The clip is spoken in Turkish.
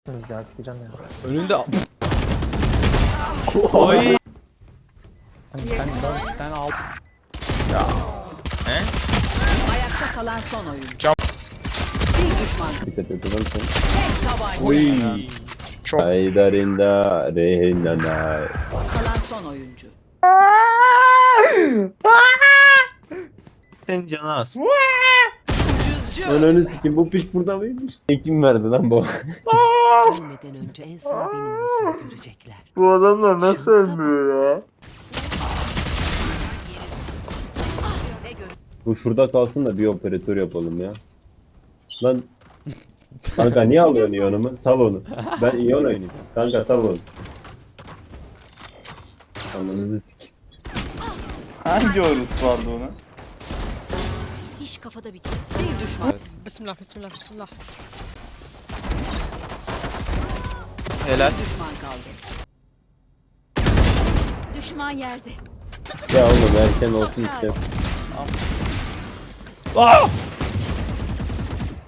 Ya çıkacağım ya. Önünde. Oy. Sen al. He? Ayakta kalan son oyuncu. Cam- Bir düşman. Dikkat et oğlum sen. Tek tabanca. Oy. Çok. Haydarinda rehinana. Kalan son oyuncu. Sen canı az. Önünü sikim bu piç burada mıymış? Kim verdi lan bu? Ölmeden önce en son benim yüzümü görecekler. Bu adamlar nasıl ölmüyor ya? Bu şurada kalsın da bir operatör yapalım ya. Lan kanka niye alıyorsun iyonumu? Sal onu. Ben iyon oynayayım. Kanka sal onu. Ananızı sik. Hangi orus vardı ona? İş kafada bitiyor. Bir düşman. Bismillah, bismillah, bismillah. Helal. Bir düşman kaldı. Düşman yerde. Ya oğlum erken olsun işte. Ah!